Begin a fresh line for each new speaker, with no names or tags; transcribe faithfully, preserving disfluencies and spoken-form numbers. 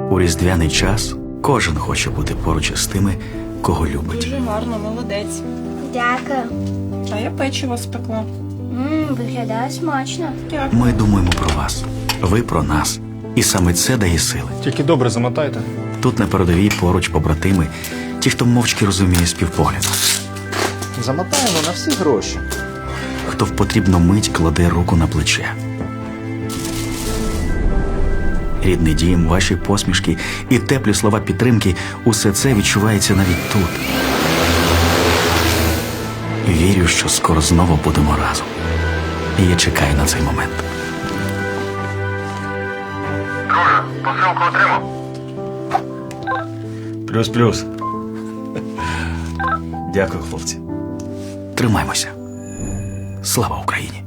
У різдвяний час кожен хоче бути поруч із тими, кого любить.
Дуже гарно, молодець.
Дякую.
А я печиво спекла.
Ммм, виглядає смачно.
Дякую.
Ми думаємо про вас, ви про нас. І саме це дає сили.
Тільки добре замотайте.
Тут на передовій поруч побратими, ті, хто мовчки розуміє співпогляд.
Замотаємо на всі гроші.
Хто в потрібну мить кладе руку на плече. Рідний дім, ваші посмішки і теплі слова підтримки – усе це відчувається навіть тут. Вірю, що скоро знову будемо разом. І я чекаю на цей момент.
Друже, посилку отримав?
Плюс-плюс. Дякую, хлопці. Тримаймося. Слава Україні!